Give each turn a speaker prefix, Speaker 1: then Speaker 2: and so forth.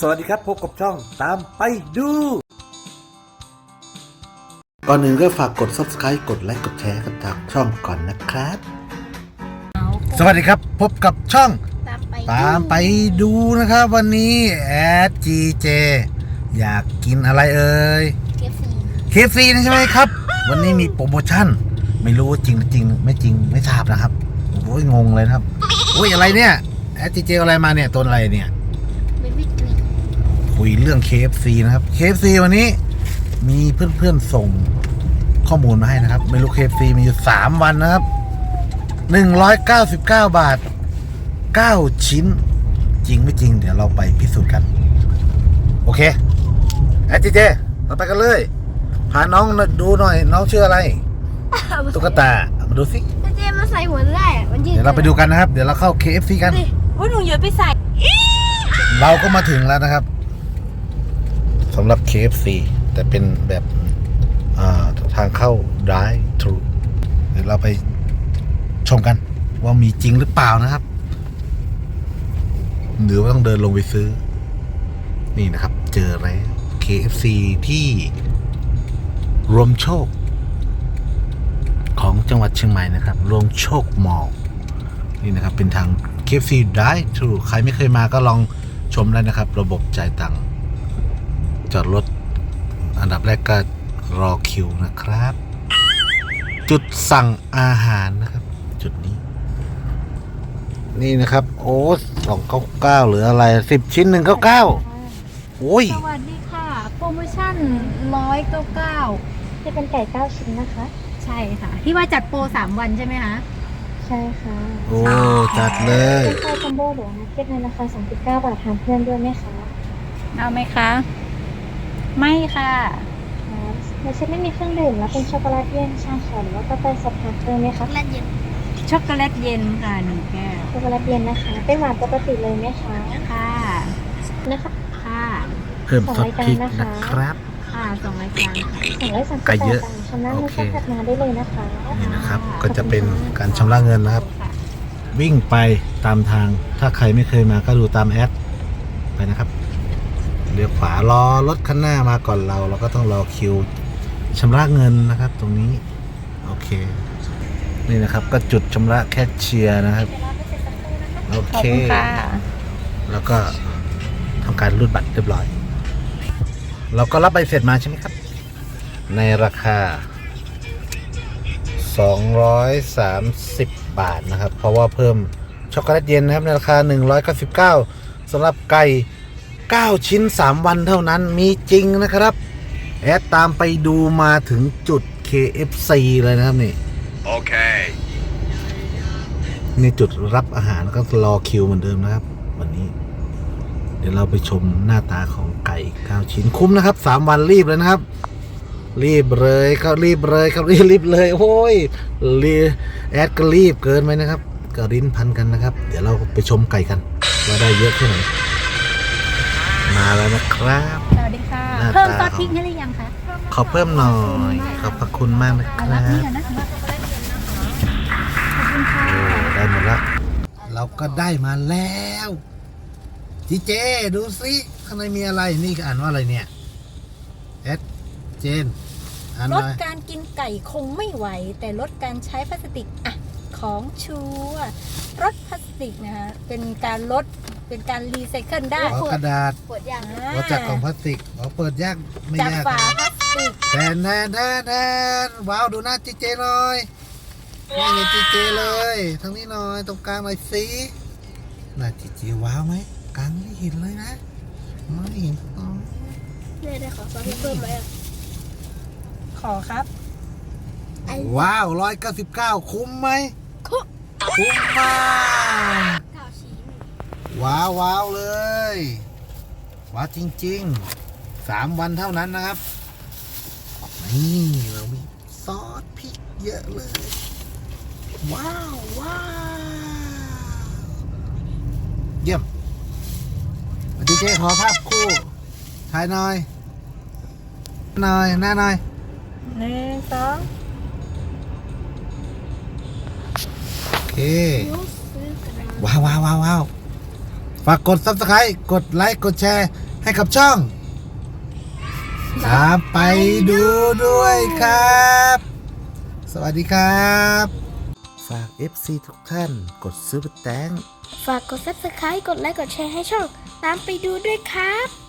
Speaker 1: สวัสดีครับพบกับช่องตามไปดูก่อนหนึ่งก็ฝากกด Subscribe กดไลค์กดแชร์กันทางช่องก่อนนะครับสวัสดีครับพบกับช่องตามไปดูนะครับวันนี้แอด GJ อยากกินอะไรเอ่ย KFC นะใช่ไหมครับวันนี้มีโปรโมชั่นไม่รู้จริงไม่จริงไม่ทราบนะครับโอ้ยงงเลยครับโอ้ยอะไรเนี่ยแอด GJ อะไรมาเนี่ยตัวอะไรเนี่ยคุยเรื่อง KFC นะครับ KFC วันนี้มีเพื่อนๆส่งข้อมูลมาให้นะครับเมนู KFC มีอยู่3วันนะครับ199 บาท9ชิ้นจริงไม่จริงเดี๋ยวเราไปพิสูจน์กันโอเคแอด GJ เราไปกันเลยพาน้องดูหน่อยน้องชื่ออะไรตุ๊กตามาดูสิ
Speaker 2: เจมาใส่หัวได้
Speaker 1: เดี๋ยวเราไปดูกันนะครับเดี๋ยวเราเข้า KFC กัน
Speaker 2: ว่าหนูโยนไปใส่
Speaker 1: เราก็มาถึงแล้วนะครับสำหรับ KFC แต่เป็นแบบทางเข้า Drive Thru เดี๋ยวเราไปชมกันว่ามีจริงหรือเปล่านะครับหรือว่าต้องเดินลงไปซื้อนี่นะครับเจออะไร KFC ที่รวมโชคของจังหวัดเชียงใหม่นะครับรวมโชคมอลล์นี่นะครับเป็นทาง KFC Drive Thru ใครไม่เคยมาก็ลองชมได้นะครับระบบจ่ายตังค์จอดรถอันดับแรกก็รอคิวนะครับจุดสั่งอาหารนะครับจุดนี้นี่นะครับโอ้299หรืออะไร10ชิ้น199โอ้ย
Speaker 2: สวัสดีค่ะโปรโมชั่น199
Speaker 3: จะเป็นไก่9ชิ้นนะคะ
Speaker 2: ใช่ค่ะที่ว่าจัดโปร3วันใช่ไหมคะ
Speaker 3: ใช่ค่ะ
Speaker 1: โอ้จัดเลย
Speaker 3: เป็นไก่คอมโบหรือนักเก็ตในราคา39 บาททานเพื่อนด้วยไหมคะ
Speaker 2: เอาไหมคะไม่ค่ะ
Speaker 3: ในเซ็ตไม่มีเครื่องดื่มแล้วเป็นช็อกโกแลตเย็นชาเขียวหรือว่ากาแฟสดทานเพิ่มไหมคะ
Speaker 2: ช็อกโกแลตเย็นค่ะ1 แก้ว
Speaker 3: ช็อกโกแลตเย็นนะคะเป็นหวานปกติเลยไหมคะ
Speaker 2: ค่ะ
Speaker 3: นะคะ
Speaker 2: ค่ะ
Speaker 1: เพิ่มซอสพริกนะครับ
Speaker 2: ค่ะ2 รายการ
Speaker 3: 238
Speaker 1: ไก่เยอะ
Speaker 3: ชำระเงินค่าถัดมาได้เลยนะคะ
Speaker 1: นี่นะครับก็จะเป็นการชำระเงินนะครับวิ่งไปตามทางถ้าใครไม่เคยมาก็ดูตามแอดไปนะครับเลี้ยวขวารอรถคันหน้ามาก่อนเราก็ต้องรอคิวชำระเงินนะครับตรงนี้โอเคนี่นะครับก็จุดชำระแคชเชียร์นะครับโอเคแล้วก็ทำการรูดบัตรเรียบร้อยเราก็รับใบเสร็จมาใช่ไหมครับในราคา230 บาทนะครับเพราะว่าเพิ่มช็อกโกแลตเย็นนะครับในราคา199สำหรับไก่9ชิ้น3วันเท่านั้นมีจริงนะครับแอดตามไปดูมาถึงจุด KFC เลยนะครับนี่โอเคนี่จุดรับอาหารก็รอคิวเหมือนเดิมนะครับวันนี้เดี๋ยวเราไปชมหน้าตาของไก่9ชิ้นคุ้มนะครับ3วันรีบเลยนะครับรีบเลยครับรีบเลยโอ้ยแอดก็รีบเกินไปนะครับก็ริ้นพันกันนะครับเดี๋ยวเราไปชมไก่กันว่าได้เยอะแค่ไหนมาแล้วนะครับ
Speaker 2: สวัสดีค่ะเพิ่มซอสพริกให้หรือยังคะ
Speaker 1: ขอเพิ่มหน่อยขอบพระคุณมากนะครับ
Speaker 2: รับนี่กันนะขอบคุณค่ะ
Speaker 1: ได้หมดแล้วเราก็ได้มาแล้วจีเจดูสิข้างในมีอะไรนี่อ่านว่าอะไรเนี่ยเอสเจน
Speaker 2: ลดการกินไก่คงไม่ไหวแต่ลดการใช้พลาสติกอ่ะของชัวร์ลดพลาสติกนะคะเป็นการลดเป็นการรีไซเคิลได้
Speaker 1: กระดาษ
Speaker 2: เปิดยาก
Speaker 1: เราจากกล่องพลาสติกเปิดยากไม่ยาก
Speaker 2: จากฝาพลาสติก
Speaker 1: แทนว้าวดูหน้าจีเจหน่อยนี่ไงจีเจเลยทางนี้หน่อยตรงกลางหน่อยสิหน้าจีเจว้าวไหมกลางไม่เห็นเลยนะไม่เห็น
Speaker 2: ได้ขอซอสเพิ่มไหมขอครับ
Speaker 1: ว้าว199คุ้มไหมคุ้มมากว้าวเลยว้าวจริงๆ3วันเท่านั้นนะครับนี่เรามีซอสพริกเยอะเลยว้าวเยี่ยมดีเจขอภาพคู่ถ่ายหน่อยหน้าหน่อย
Speaker 2: 1 2
Speaker 1: โอเคว้าวฝากกด Subscribe กดไลค์กดแชร์ให้กับช่องตามไปดูด้วยครับ สวัสดีครับ ฝาก FC ทุกท่านกดซื้อแตง
Speaker 4: ฝากกด Subscribe กดไลค์ กดแชร์ให้ช่อง ตามไปดูด้วยครับ